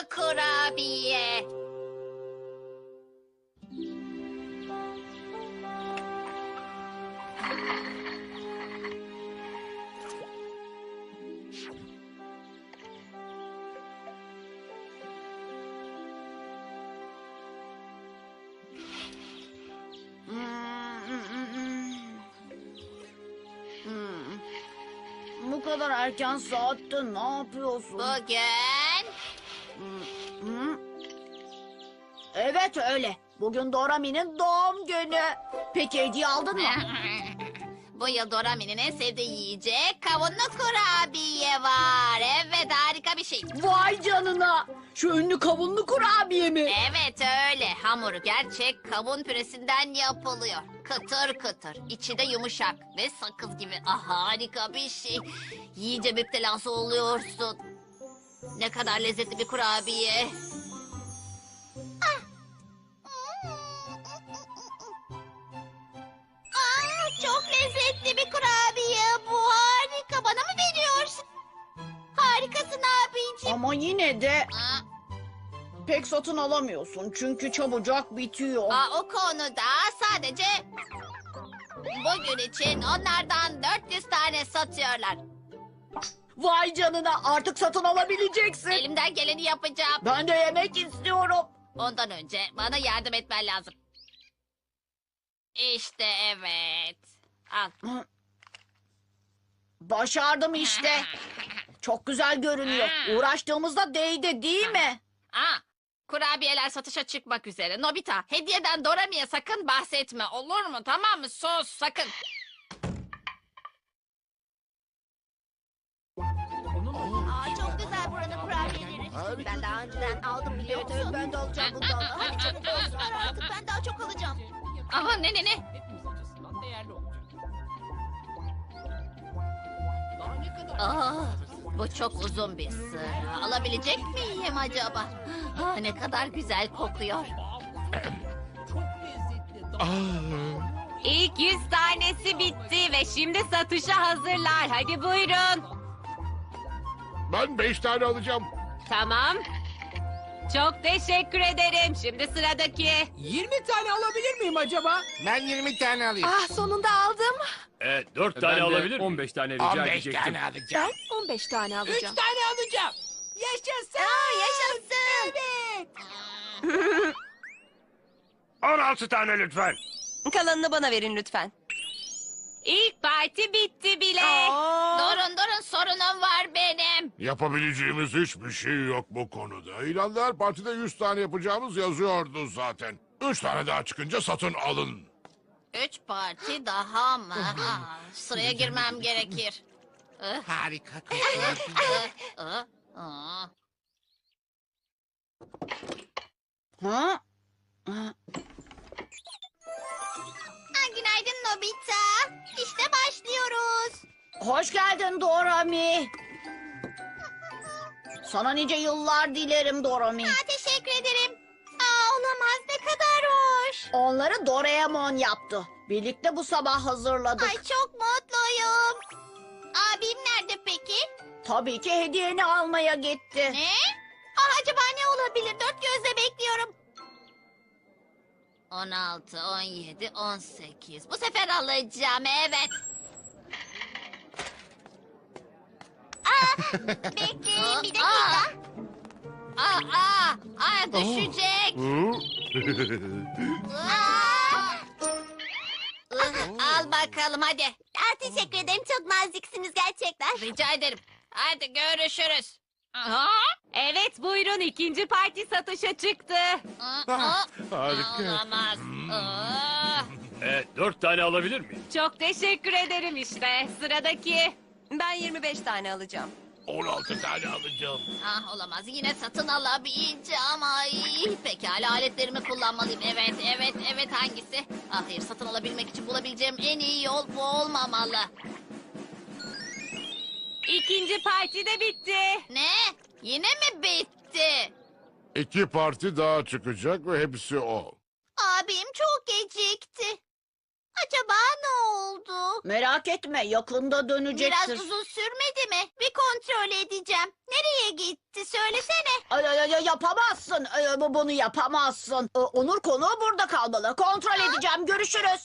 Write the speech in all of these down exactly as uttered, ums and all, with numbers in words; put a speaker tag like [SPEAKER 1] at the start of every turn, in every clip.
[SPEAKER 1] kurabiye.
[SPEAKER 2] Bu kadar erken saatte ne yapıyorsun?
[SPEAKER 1] Bugün
[SPEAKER 2] Hı? Evet öyle. Bugün Dorami'nin doğum günü. Peki hediye aldın mı?
[SPEAKER 1] bu yıl Dorami'nin en sevdiği yiyecek kavunlu kurabiye var. Evet, harika bir şey.
[SPEAKER 2] Vay canına. Şu ünlü kavunlu kurabiye mi?
[SPEAKER 1] Evet öyle. Hamuru gerçek kavun püresinden yapılıyor. Kıtır kıtır. İçi de yumuşak ve sakız gibi. Ah, harika bir şey. Yiyince müptelası oluyorsun. Ne kadar lezzetli bir kurabiye. Aa, çok lezzetli bir kurabiye bu. Harika. Bana mı veriyorsun? Harikasın abiciğim.
[SPEAKER 2] Ama yine de
[SPEAKER 1] Aa,
[SPEAKER 2] pek satın alamıyorsun. Çünkü çabucak bitiyor.
[SPEAKER 1] Aa, o konuda sadece bugün için onlardan dört yüz tane satıyorlar.
[SPEAKER 2] Vay canına, artık satın alabileceksin.
[SPEAKER 1] Elimden geleni yapacağım.
[SPEAKER 2] Ben de yemek istiyorum.
[SPEAKER 1] Ondan önce bana yardım etmen lazım. İşte evet. Al.
[SPEAKER 2] Başardım işte. Çok güzel görünüyor. Uğraştığımızda değdi değil mi?
[SPEAKER 1] Aa, kurabiyeler satışa çıkmak üzere. Nobita, hediyeden Dorami'ye sakın bahsetme. Olur mu? Tamam mı? Sus, sakın.
[SPEAKER 3] Aa, çok güzel buranın kurabiyeleri. Ben daha önceden aldım biliyor musun? Evet, ben de alacağım bundan. Hadi çabuk olsunlar artık, ben daha çok alacağım.
[SPEAKER 1] Aha, ne ne ne?
[SPEAKER 4] Hepimiz açısından değerli olacak. Daha ne kadar...
[SPEAKER 1] Aa, bu çok uzun bir sıra. Alabilecek miyim acaba? Aa, ne kadar güzel kokuyor.
[SPEAKER 4] Çok lezzetli.
[SPEAKER 5] İlk yüz tanesi bitti ve şimdi satışa hazırlar. Hadi buyurun.
[SPEAKER 6] Ben beş tane alacağım.
[SPEAKER 5] Tamam. Çok teşekkür ederim. Şimdi sıradaki.
[SPEAKER 4] yirmi tane alabilir miyim acaba?
[SPEAKER 6] Ben yirmi tane alayım.
[SPEAKER 7] Ah, sonunda aldım.
[SPEAKER 8] Evet, dört tane
[SPEAKER 9] Ben de
[SPEAKER 8] alabilir miyim?
[SPEAKER 9] on beş tane rica
[SPEAKER 6] on beş
[SPEAKER 9] edecektim.
[SPEAKER 6] tane alacağım.
[SPEAKER 7] Ben on beş tane
[SPEAKER 4] Üç
[SPEAKER 7] alacağım.
[SPEAKER 4] tane alacağım. Yaşasın.
[SPEAKER 3] Aa, yaşasın.
[SPEAKER 4] Evet.
[SPEAKER 9] on altı tane lütfen.
[SPEAKER 7] Kalanını bana verin lütfen.
[SPEAKER 5] İlk parti bitti bile.
[SPEAKER 1] Durun durun, sorunum var benim.
[SPEAKER 6] Yapabileceğimiz hiçbir şey yok bu konuda. İlanlar partide yüz tane yapacağımız yazıyordu zaten. Üç tane daha çıkınca satın alın.
[SPEAKER 1] Üç parti daha mı? Aa, sıraya girmem gerekir. Ih,
[SPEAKER 6] Harika.
[SPEAKER 1] ih, ih, ih.
[SPEAKER 2] Ha? Ha?
[SPEAKER 1] Aa, günaydın Nobita. İşte başlıyoruz.
[SPEAKER 2] Hoş geldin Dorami. Sana nice yıllar dilerim Dorami.
[SPEAKER 1] Aa, teşekkür ederim. Aa, olamaz, ne kadar hoş.
[SPEAKER 2] Onları Doraemon yaptı. Birlikte bu sabah hazırladık.
[SPEAKER 1] Ay, çok mutluyum. Abim nerede peki?
[SPEAKER 2] Tabii ki hediyeni almaya gitti.
[SPEAKER 1] Ne? Aa, acaba ne olabilir? Dört gözle bekliyorum. On altı, on yedi, on sekiz. Bu sefer alacağım, evet. Aa, bekleyin bir dakika. Aa, aa, aa, düşecek. Aa. Ih, Al bakalım hadi.
[SPEAKER 3] Aa, teşekkür ederim, çok naziksiniz gerçekten.
[SPEAKER 1] Rica ederim. Hadi görüşürüz. Aha.
[SPEAKER 5] Evet buyurun ikinci parti satışa çıktı.
[SPEAKER 1] Aa, aa.
[SPEAKER 6] Harika.
[SPEAKER 1] Olamaz. Aa.
[SPEAKER 8] Evet, dört tane alabilir miyim?
[SPEAKER 5] Çok teşekkür ederim işte. Sıradaki.
[SPEAKER 7] Ben yirmi beş tane alacağım.
[SPEAKER 6] on altı tane alacağım.
[SPEAKER 1] Ah, olamaz. Yine satın alabileceğim. Ay, pekala, aletlerimi kullanmalıyım. Evet, evet, evet, hangisi? Ah, hayır, satın alabilmek için bulabileceğim en iyi yol bu olmamalı.
[SPEAKER 5] İkinci parti de bitti.
[SPEAKER 1] Ne? Yine mi bitti?
[SPEAKER 6] İki parti daha çıkacak ve hepsi o.
[SPEAKER 1] Abim çok gecikti. Acaba ne oldu?
[SPEAKER 2] Merak etme, yakında dönecektir.
[SPEAKER 3] Biraz uzun sürmedi mi? Bir kontrol edeceğim. Nereye gitti söylesene.
[SPEAKER 2] Ay, ay, ay, yapamazsın. Ay, bu- bunu yapamazsın. Ee, Onur konuğu burada kalmalı. Kontrol edeceğim. Görüşürüz.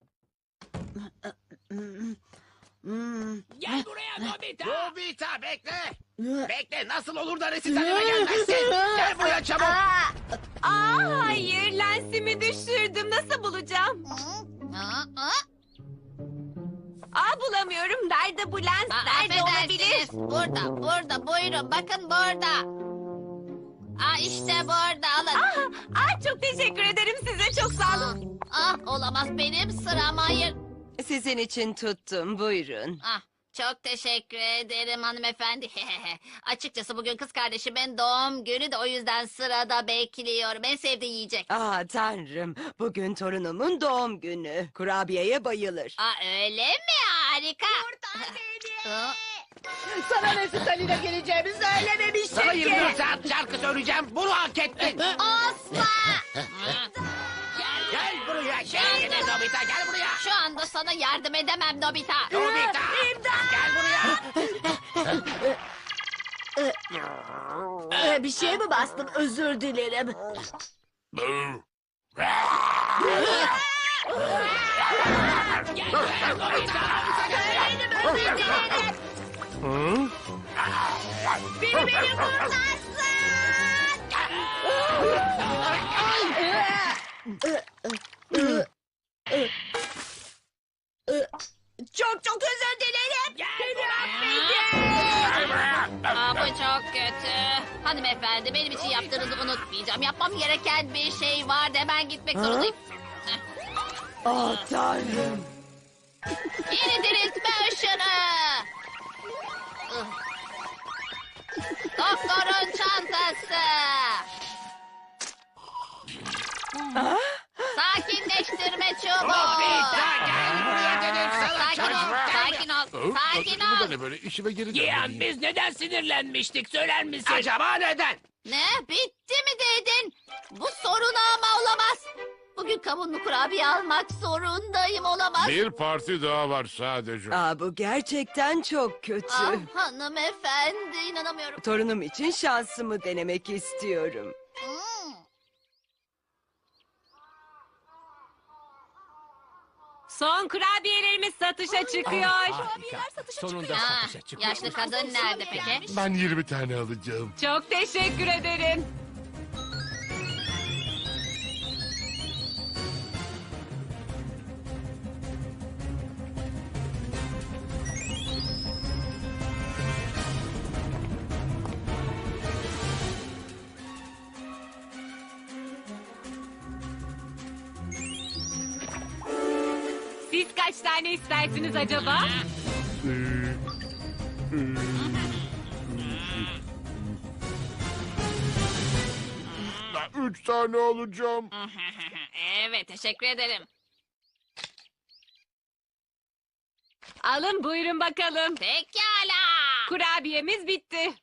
[SPEAKER 2] Hmm.
[SPEAKER 4] Gel buraya Nobita.
[SPEAKER 9] Nobita bekle. Bekle nasıl olur da resitale gelmezsin. Gel buraya çabuk.
[SPEAKER 5] Aa, hayır, lensimi düşürdüm. Nasıl bulacağım?
[SPEAKER 1] Aa, aa.
[SPEAKER 5] Aa, bulamıyorum. Nerede bu lens?
[SPEAKER 1] Aa,
[SPEAKER 5] Nerede olabilir?
[SPEAKER 1] affedersiniz. Burada, burada. Buyurun, bakın burada. Aa, işte burada. Alın.
[SPEAKER 5] Aa, aa, çok teşekkür ederim size. Çok sağ olun.
[SPEAKER 1] Ah, olamaz. Benim sıram. Hayır.
[SPEAKER 7] Sizin için tuttum. Buyurun.
[SPEAKER 1] Ah, çok teşekkür ederim hanımefendi. Açıkçası bugün kız kardeşimin doğum günü de o yüzden sırada bekliyorum. En sevdiği yiyecek.
[SPEAKER 7] Aa tanrım. Bugün torunumun doğum günü. Kurabiyeye bayılır.
[SPEAKER 1] Aa, öyle mi? Harika. Aa,
[SPEAKER 2] Sana resitaline geleceğimi söylememiştim
[SPEAKER 9] Sana
[SPEAKER 2] ki.
[SPEAKER 9] yirmi dört saat şarkı söyleyeceğim. Bunu hak ettin.
[SPEAKER 1] Asla.
[SPEAKER 9] Gel buraya. Şey yine Nobita gel buraya.
[SPEAKER 1] Şu anda sana yardım edemem Nobita.
[SPEAKER 9] Nobita. Gel buraya.
[SPEAKER 2] Ee, bir şeye mi bastım? Özür dilerim.
[SPEAKER 1] Beni beni kurtarsın.
[SPEAKER 2] Çok çok özür dilerim.
[SPEAKER 1] Aa, bu çok kötü. Hanımefendi benim için yaptığınızı unutmayacağım. Yapmam gereken bir şey vardı. Hemen gitmek zorundayım. Heh.
[SPEAKER 7] Ah tanrım.
[SPEAKER 1] Yeni diriltme ışını. Ih. Doktorun çantası. Sakinleştirme çubuğu.
[SPEAKER 9] Nobita gel buraya dedim sana.
[SPEAKER 1] Sakin ol,
[SPEAKER 9] Çabuk.
[SPEAKER 1] sakin ol, sakin
[SPEAKER 6] Bu da
[SPEAKER 1] ol.
[SPEAKER 6] ne böyle? İşime geri
[SPEAKER 4] Giyan
[SPEAKER 6] dönmeliyim.
[SPEAKER 4] biz neden sinirlenmiştik söyler misin?
[SPEAKER 9] Acaba neden?
[SPEAKER 1] Ne? Bitti mi dedin? Bu sorun ama olamaz. Bugün kavunlu kurabiye almak zorundayım, olamaz.
[SPEAKER 6] Bir parti daha var sadece.
[SPEAKER 7] Aa bu gerçekten çok kötü.
[SPEAKER 1] Ah, hanımefendi inanamıyorum.
[SPEAKER 7] Torunum için şansımı denemek istiyorum.
[SPEAKER 1] Hmm.
[SPEAKER 5] Son kurabiyelerimiz satışa çıkıyor.
[SPEAKER 4] Harika. Sonunda
[SPEAKER 1] Ah,
[SPEAKER 4] satışa çıkıyor.
[SPEAKER 1] yaşlı kadın nerede peki?
[SPEAKER 6] Ben yirmi tane alacağım.
[SPEAKER 5] Çok teşekkür ederim. Siz kaç tane istersiniz acaba?
[SPEAKER 6] Ben üç tane alacağım.
[SPEAKER 1] Evet, teşekkür ederim.
[SPEAKER 5] Alın buyurun bakalım.
[SPEAKER 1] Pekala.
[SPEAKER 5] Kurabiyemiz bitti.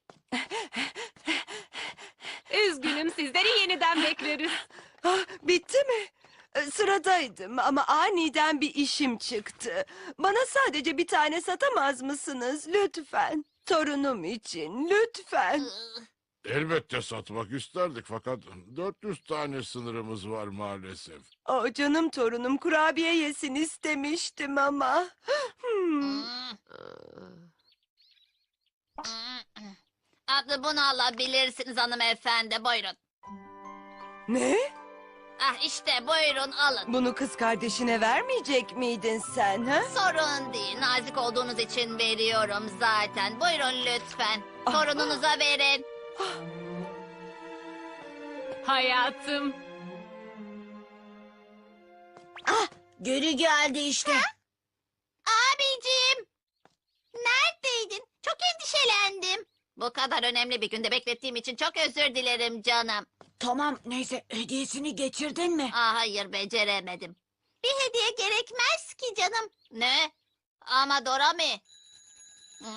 [SPEAKER 5] Üzgünüm, sizleri yeniden bekleriz.
[SPEAKER 7] Ah, bitti mi? Ee, Sıradaydım ama aniden bir işim çıktı. Bana sadece bir tane satamaz mısınız lütfen? Torunum için lütfen.
[SPEAKER 6] Elbette satmak isterdik fakat dört yüz tane sınırımız var maalesef.
[SPEAKER 7] O canım torunum kurabiye yesin istemiştim ama. Hmm.
[SPEAKER 1] Adlı bunu alabilirsiniz hanımefendi, buyurun.
[SPEAKER 7] Ne?
[SPEAKER 1] Ah işte buyurun alın.
[SPEAKER 7] Bunu kız kardeşine vermeyecek miydin sen ha?
[SPEAKER 1] Sorun değil, nazik olduğunuz için veriyorum zaten. Buyurun lütfen, torununuza verin.
[SPEAKER 5] Hayatım.
[SPEAKER 2] Geri geldi işte.
[SPEAKER 3] Abicim. Neredeydin? Çok endişelendim.
[SPEAKER 1] Bu kadar önemli bir günde beklettiğim için çok özür dilerim canım.
[SPEAKER 2] Tamam neyse, hediyesini getirdin mi?
[SPEAKER 1] Ah hayır, beceremedim.
[SPEAKER 3] Bir hediye gerekmez ki canım.
[SPEAKER 1] Ne? Ama Dorami. Hı?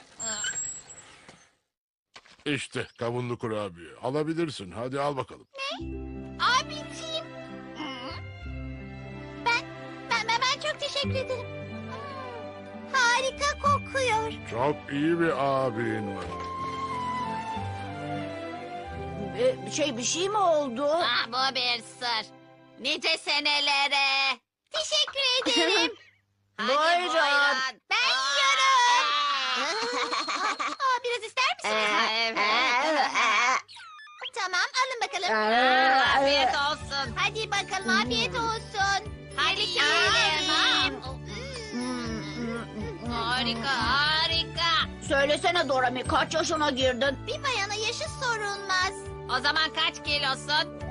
[SPEAKER 6] İşte kavunlu kurabiye. Alabilirsin. Hadi al bakalım.
[SPEAKER 3] Abiciğim. Ben, ben, ben, ben çok teşekkür ederim. Harika kokuyor.
[SPEAKER 6] Çok iyi bir abin var.
[SPEAKER 2] Ee, şey bir şey mi oldu?
[SPEAKER 1] Ah, bu bir sır. Nice senelere.
[SPEAKER 3] Teşekkür ederim.
[SPEAKER 1] Hadi
[SPEAKER 2] Buyurun.
[SPEAKER 1] buyurun.
[SPEAKER 3] Ben yiyorum. Aa, biraz ister misiniz?
[SPEAKER 1] Evet.
[SPEAKER 3] Tamam, alın bakalım.
[SPEAKER 1] Afiyet olsun.
[SPEAKER 3] Hadi bakalım, afiyet olsun.
[SPEAKER 1] Hadi yiyelim. Harika, harika.
[SPEAKER 2] Söylesene Dorami kaç yaşına girdin?
[SPEAKER 3] Bir bayana yaşı sorulmaz.
[SPEAKER 1] O zaman kaç kilosun?